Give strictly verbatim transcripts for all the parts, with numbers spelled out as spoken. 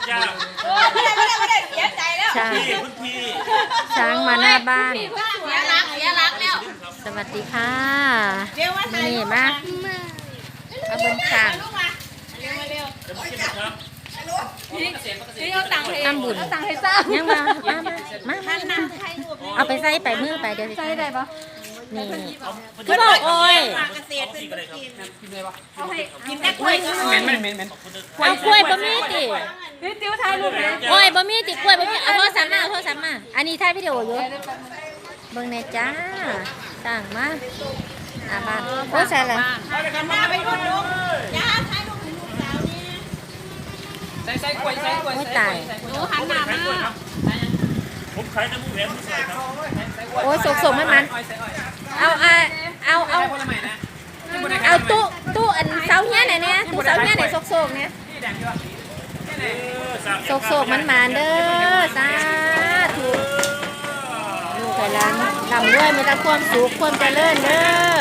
จ้าไม่ได้ไม่ได้ไม่ได้เสียใจแล้วช้างพี่คุณพี่ช้างมาหน้าบ้านเสียรักเสียรักแล้วสวัสดีค่ะเร็วมาถ่ายนี่มาเอาบนช้างลูกมาเร็วมาเร็วจะมากินนะครับพี่เอาตังค์ให้ทำบุญเอาตังค์ให้สร้างยังมามามามามาถ่ายรูปเอาไปใส่ไปมือไปเดี๋ยวใส่ได้ปะนี่คือบอกโอ้ยเกษตรเป็นคนกินเอาให้กินแต่กล้วยก็เหม็นเหม็นเหม็นเหม็นเอากล้วยบะหมี่ติพี่ติ้วถ่ายรูปเลยโอ้ยบะหมี่ติกล้วยบะหมี่เอาโทรศัพท์มาเอาโทรศัพท์มาอันนี้ถ่ายวิดีโออยู่เบิ่งแน่จ้าสั่งมาหน้าบ้านโอ้ใส่ละกันหน้าไปดูลูกย่าถ่ายรูปให้ลูกสาวนี่ใส่ใส่กล้วยใส่กล้วยโอ้ใส่ตายหนูหันหน้ามาผมขายน้ำมูกแหวนผู้ชายครับโอ้ยสกๆมันมันอ้อยใส่อ้อยเอาเอาเอาเอาผลไม้นะที่บนในเอาตู้ตู้อันเสาเนี้ยไหนเนี่ยตู้เสาเนี้ยไหนโซกๆเนี่ยที่แดงอยู่ที่ไหนโซกๆมันมาเด้อสาธุลูกไข่ล้างนำด้วยมีแต่ความสุขความเจริญเด้อ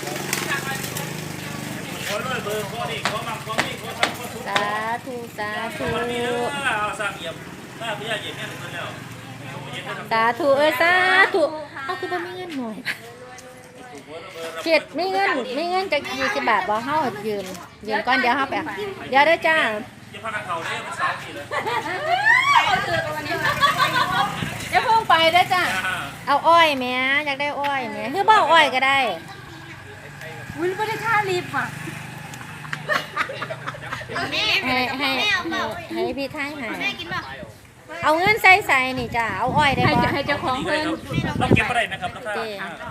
ขอเลยเบอร์ขอนี่ขอมั่งขอนี่ขอทำขอทุกสาธุสาธุวันนี้เด้อเอาสร้างเอี่ยมถ้าพี่ยาเยี่ยมแม่ถึงแล้วสาธุเอ้ยสาธุเอาคือบ่มีเงินหน่อยเจ็ดมีเงินมีเงินจะยี่สิบบาทบ่เฮายืมยืมก่อนเดี๋ยวเฮาไปเอาเดี๋ยวเด้อจ้าจะพากันเขาได้เป็นสาวกี่เลยเดี๋ยวเพิ่งไปเด้อจ้าเอาอ้อยแหม่อยากได้อ้อยแหม่คือบ่เอาอ้อยก็ได้วินไม่ได้ท่ารีบอ่ะให้ให้ให้พี่ท้ายให้เอาเงินใส่ใส่นี่จ้าเอาอ้อยได้บ่ให้เจ้าของเพิ่นเราเก็บอะไรนะครับราคา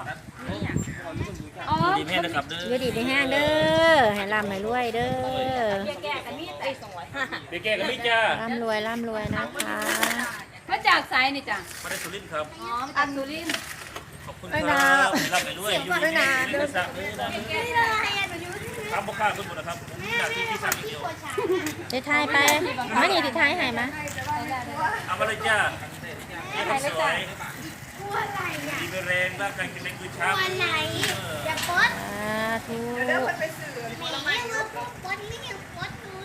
อ๋อดีแม่นะครับเด้อยู่อดีไปแห้งเด้อให้ร่ำให้รวยเด้อแก่กันนี่ไอ้สองร้อยเด็กแก่กับพี่จ้าร่ำรวยร่ำรวยนะคะมาจากไซนี่จ้ะมาได้สุรินทร์ครับอ๋ออันสุรินทร์ขอบคุณครับรับไปด้วยอยู่ดีนี่เรื่องสั่งเลยนะทำพ่อข้าทุกคนนะครับจากที่ที่สั่งอีกเดียวได้ทายไปมานี่ที่ทายให้มาเอามาเลยจ้าเยี่ยมสวยดีเป็นแรงร่างกายแข็งแรงคือช้างวันไหนอย่าปดสาธุไม่เอาปดไม่เอาปดเลย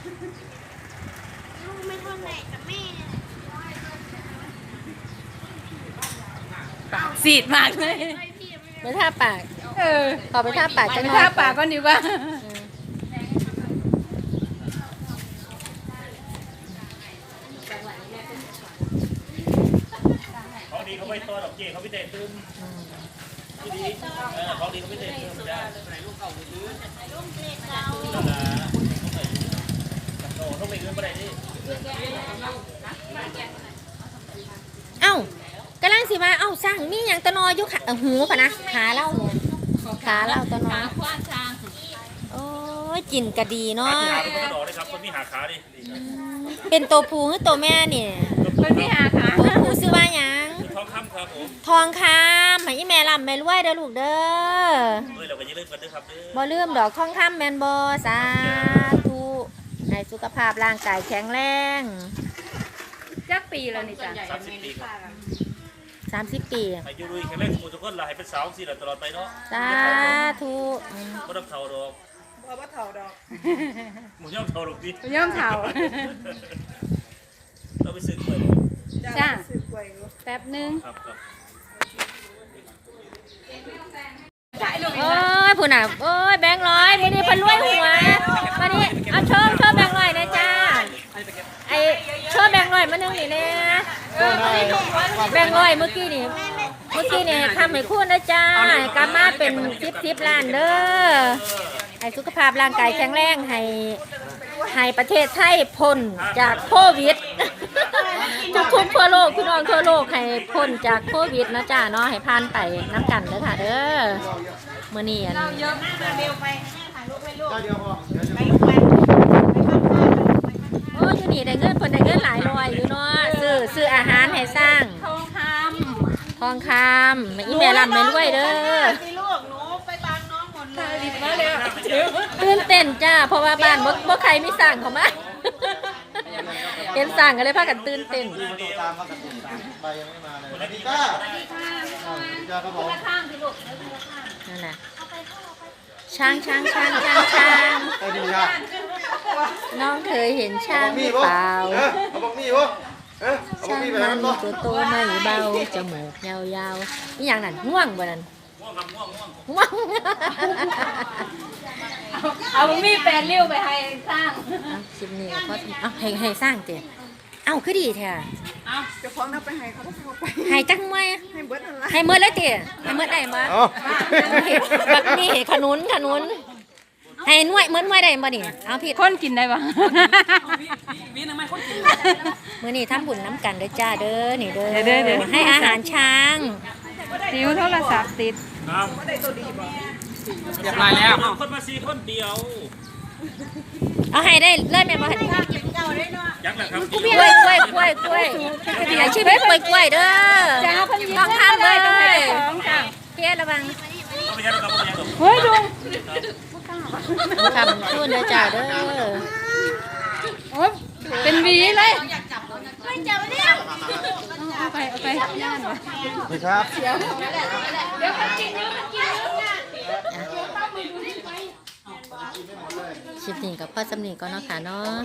ลูกไม่เท่าไหร่กับแม่สีดมากเลยไปท่าปากเออขอไปท่าปากจังไปหน่อยท่าปากก่อนดีกว่าเขาดีเขาไม่ตัวดอกเกี้เขาไม่เตะตื้มที่ดีเขาดีเขาไม่เตะตื้มจ้าโอ้ต้องไปเงินไปไหนนี่เอ้ากำลังสิมาเอ้าสร้างมีหยังตะนออยู่ขาหูพะนะขาเล่าเนี่ยขาเล่าตะนอขวานช้างโอ้ยจินกะดีเนาะขาเป็นกระดอกเลยครับคนมีหาขาดิเป็นตัวผู้หรือตัวแม่เนี่ยคนที่หาขาตัวผู้ชื่อว่าหยังทองคำครับผมทองคำให้อีแม่ลำแม่รวยเด้อลูกเด้อเฮ้ยเราไปยืมกันด้วยครับเด้อบ่ลืมดอกทองคำแม่นบ่สาธุให้สุขภาพร่างกายแข็งแรงจักปีแล้วนี่จ้ะสามสิบปีครับสามสิบปีอายุรุ่ยแข็งแรงสมุทรทุกคนเราให้เป็นสาวสิเราตลอดไปเนาะสาธุอืมไม่ต้องเท่าดอกเพราะว่าเท่าดอกหมูย่อมเท่าดอกดิย่อมเท้าเราไปซื้อกล้วยจ้าแป๊บนึงครับครับโอ้ยผู้น่ะโอ้ยแบงค์ร้อยมื้อนี้เพิ่นรวยหัวมานี่เอาโชว์โชว์แบงค์ร้อยนะจ้าไอ้โชว์แบงค์ร้อยมานึงนี่แน่แบงค์ร้อยเมื่อกี้นี่เมื่อกี้นี่ทำให้คุณนะจ้ากลับมาเป็นสิบสิบล้านเด้อให้สุขภาพร่างกายแข็งแรงให้ให้ประเทศไทยพ้นจากโควิด ทุกทุกทั่วโลกพี่น้องทั่วโลกให้พ้นจากโควิดนะจ้าเนาะให้ผ่านไปน้ำกันเด้อค่ะเด้อมื้อนี้อันเยอะมากเร็วไปโอ้อยู่นี่ได้เงินเพิ่นได้เงินหลายร้อยอยู่เนาะซื้อซื้ออาหารให้สร้างทองคทองคำอีแม่ร่ำแม่รวยเด้อำลูกหนูไปบางน้องหมดเลยมาเลยตื่นเต้นจ้าเพราะว่าบ้านบ่บ่ใครมีสร้างเขามา เห็นสร้างก็เลยพากันตื่นเต้นตามมากับตุ่มตามใบยังไม่มาเลยสวัสดีจ้าสวัสดีจ้าครับผมข้างพี่ลูกนั่นน่ะช้างช้างช้างช้างช้างสวัสดีจ้าน้องเคยเห็นช้างหรือเปล่าเออเอาบอกมีวะเออเอาบอช้าก งมีไปมัให้นมันบ่ตัวโตไม่เบาจมูกยาวๆนี่อย่างนั้นง่วงบ่นั่นง่วงครับง่วงง่วงง่วงเอามีแปดริ้วไปให้สร้างเอาคลิปนี้ก็พอเอาให้ให้สร้างเตี้ยเอ้าคือดีแท้เจ้าของเอาไปให้เขาเอาไปให้จังมวยให้เบิดนั่นละให้เมื่อเลยเตี้ยให้เมื่อได้บ่เอาบักนี่ขนุนขนุนให้หน่วยเหมือนหน่วยได้บ่นี่เอาพี่คนกินได้ปะวีนึงไหมคนกินมื้อนี้ทำบุญน้ำกันเด้อจ้าเด้อนี่เด้อเด้อเด้อให้อาหารช้างซิวโทรศัพท์ติดครับเรียบร้อยแล้วคนมาสี่คนเดียวเอาให้ได้เลิศแม่นบ่หั่นนี่ยักษ์แหละครับกล้วยกล้วยกล้วยกล้วยให้ชีวิตกล้วยกล้วยเด้อจ้าเพิ่นยิ้มต้องทำเลยต้องให้ของจ้าเพียระวังเอาไปยักษ์ครับเอาไปยักษ์เฮ้ยลุงทำช่วยเด้อจ้าเด้อโอ้ยเป็นหวีเลยไม่จับเนี่ยเอาไปเอาไปย่านวะนี่ครับคลิปนี้กับพ่อสำนีก็เนาะค่ะเนาะ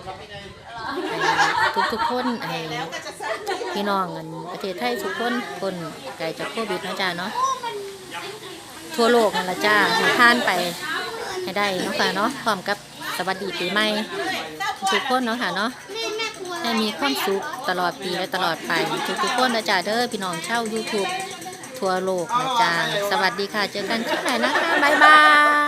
ทุกทุกๆคนไอ้พี่น้องกันประเทศไทยทุกคนคนไกลจากโควิดเนาะจ้าเนาะทั่วโลกนั่นละจ้าให้ผ่านไปให้ได้เนาะค่ะเนาะพร้อมกับสวัสดีปีใหม่ทุกคนเนาะค่ะเนาะแม่แม่กลัวให้มีความสุขตลอดปีและตลอดไปทุกๆคนนะจ้าเด้อพี่น้องเช่า YouTube ทั่วโลกนะจ้าสวัสดีค่ะเจอกันคลิปไหนนะคะบ๊ายบาย